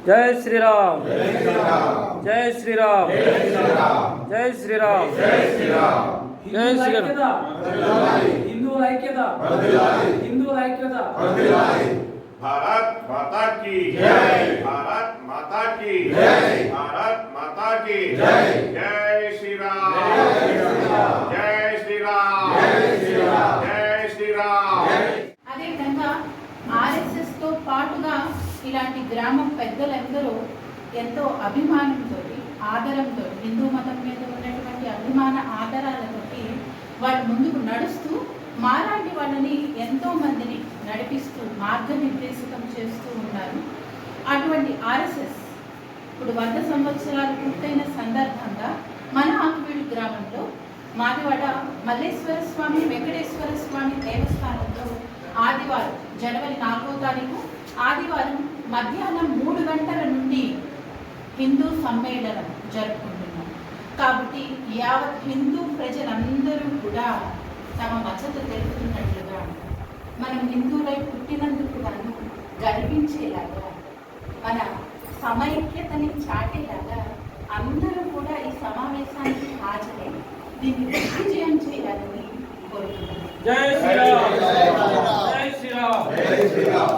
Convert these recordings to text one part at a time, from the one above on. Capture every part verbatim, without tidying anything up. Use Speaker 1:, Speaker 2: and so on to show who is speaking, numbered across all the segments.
Speaker 1: జై శ్రీరామ్ జై శ్రీరామ్ జై శ్రీరామ్ జై శ్రీరామ్
Speaker 2: హిందువుల ఐక్యత హిందువుల ఐక్యత
Speaker 3: भारत माता की जय भारत माता की जय भारत माता की जय जय श्री राम जय श्री राम जय श्री राम जय श्री राम
Speaker 4: అదే విధంగా ఆర్ఎస్ఎస్ తో పాటుగా ఇలాంటి గ్రామం పెద్దలందరూ ఎంతో అభిమానంతో ఆదరంతో హిందూ మతం మీద ఉన్నటువంటి అభిమాన ఆదరాలతోటి వాళ్ళు ముందుకు నడుస్తూ మాలాంటి వాళ్ళని ఎంతో మందిని నడిపిస్తూ మార్గనిర్దేశకం చేస్తూ ఉన్నారు. అటువంటి ఆర్ఎస్ఎస్ ఇప్పుడు వంద సంవత్సరాలు పూర్తయిన సందర్భంగా మన ఆకువీడు గ్రామంలో మాదివాడ మల్లేశ్వర స్వామి వెంకటేశ్వర స్వామి దేవస్థానంలో ఆదివారం జనవరి నాలుగో తారీఖు ఆదివారం మధ్యాహ్నం మూడు గంటల నుండి హిందూ సమ్మేళనం జరుపుకుంటున్నాం. కాబట్టి యావత్ హిందూ ప్రజలందరూ కూడా తమ మద్దతు తెలుపుతున్నట్లుగా మనం హిందువులై పుట్టినందుకు గాను గర్వించేలాగా మన సమైక్యతని చాటేలాగా అందరూ కూడా ఈ సమావేశానికి హాజరై దీన్ని దిగ్విజయం చేయాలని కోరుతున్నాను.
Speaker 1: జై శ్రీరామ్ జై శ్రీరామ్ జై శ్రీరామ్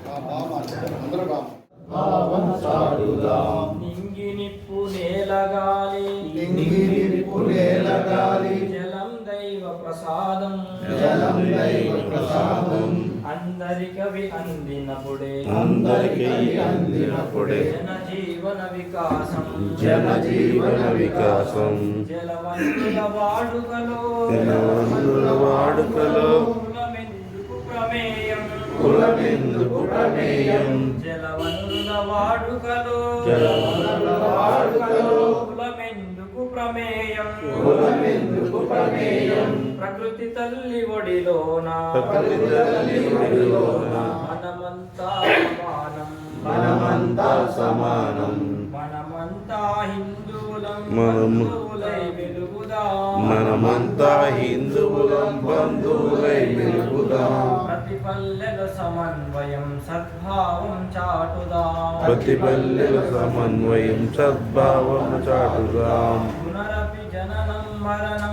Speaker 1: నింగి నిప్పు నేలగాలి
Speaker 5: నింగి నిప్పు నేలగాలి
Speaker 1: జలం దైవ ప్రసాదం
Speaker 5: జలం దైవ ప్రసాదం
Speaker 1: అందరికవి అందినప్పుడే
Speaker 5: అందరికీ అందినప్పుడే
Speaker 1: జన జీవన వికాసం
Speaker 5: జన జీవన వికాసం
Speaker 1: జలవనరుల వాడుకలో
Speaker 5: జలవనరుల వాడుకలో
Speaker 1: కులమెందుకు ప్రమేయం
Speaker 5: కులమెందుకు ప్రమేయం
Speaker 1: జలవనరుల వాడుకలో
Speaker 5: జలవనరుల వాడుకలో
Speaker 1: కులమెందుకు ప్రమేయం
Speaker 5: కులమెందుకు ప్రమేయం
Speaker 1: ప్రకృతి తల్లి ఒడిలోన
Speaker 5: ప్రకృతి తల్లి ఒడిలోన
Speaker 1: మనమంతా సమానం
Speaker 5: మనమంతా సమానం
Speaker 1: మనమంతా హిందువులం
Speaker 5: మనము
Speaker 1: బంధువులై వెలుగుదాం
Speaker 5: మనమంతా హిందువులం బంధువులై వెలుగుదాం
Speaker 1: ప్రతి పల్లెల సమన్వయం సద్భావం చాటుదాం
Speaker 5: ప్రతి పల్లెల సమన్వయం సద్భావం చాటుదాం
Speaker 1: పునరపి జననం మరణం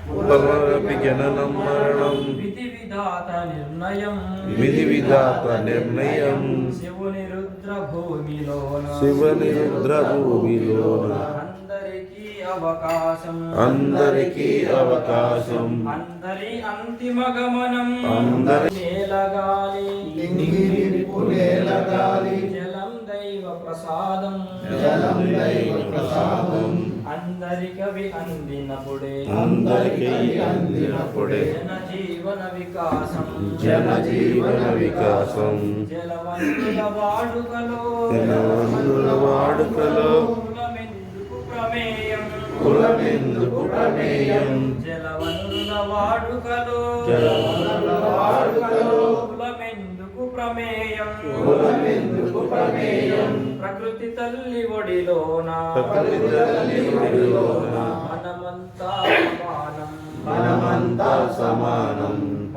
Speaker 5: పునరపి జననం మరణం
Speaker 1: విధి విధాత నిర్ణయం
Speaker 5: విధి విధాత నిర్ణయం
Speaker 1: శివుని రుద్ర భూమిలోన
Speaker 5: శివని రుద్ర భూమిలోన
Speaker 1: అందరికీ అవకాశం
Speaker 5: అందరికీ అవకాశం
Speaker 1: అందరి అంతిమ గమనం
Speaker 5: అందరి
Speaker 1: నేలగాలి
Speaker 5: నింగినిప్పు నేలగాలి
Speaker 1: జలం దైవ ప్రసాదం
Speaker 5: జలం దైవ ప్రసాదం
Speaker 1: అందరికవి అందినప్పుడే
Speaker 5: అందరికీ అందినప్పుడే
Speaker 1: జన జీవన వికాసం
Speaker 5: జన జీవన వికాసం
Speaker 1: జలవనరుల వాడుకలో
Speaker 5: జలవనరుల వాడుకలో
Speaker 1: కులమెందుకు ప్రమేయం
Speaker 5: కులమెందుకు ప్రమేయం
Speaker 1: జలవనరుల వాడుకలో
Speaker 5: జలవనరుల వాడుకలో
Speaker 1: కులమెందుకు ప్రమేయం
Speaker 5: కులమెందుకు ప్రమేయం
Speaker 1: ప్రకృతి తల్లి ఒడిలోన
Speaker 5: ప్రకృతి తల్లి ఒడిలోన
Speaker 1: మనమంతా సమానం
Speaker 5: మనమంతా సమానం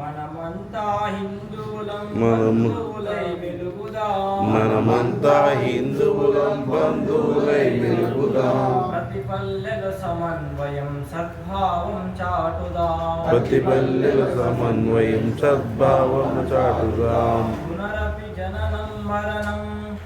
Speaker 1: మనమంతా హిందువులం
Speaker 5: మనము
Speaker 1: బంధువులై వెలుగుదాం
Speaker 5: మనమంతా హిందువులం బంధువులై వెలుగుదాం
Speaker 1: ప్రతి పల్లెల సమన్వయం సద్భావం చాటుదాం
Speaker 5: ప్రతి పల్లెల సమన్వయం సద్భావం చాటుదాం
Speaker 1: పునరపి జననం మరణం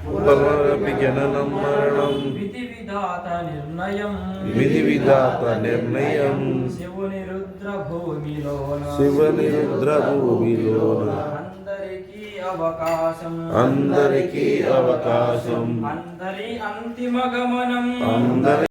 Speaker 5: పునరపి జననం మరణం
Speaker 1: విధి విధాత నిర్ణయం
Speaker 5: విధి విధాత నిర్ణయం
Speaker 1: శివుని రుద్ర భూమిలోన
Speaker 5: శివని రుద్ర భూమిలోన
Speaker 1: అందరికీ అవకాశం
Speaker 5: అందరికీ అవకాశం
Speaker 1: అందరి అంతిమ గమనం
Speaker 5: అందరి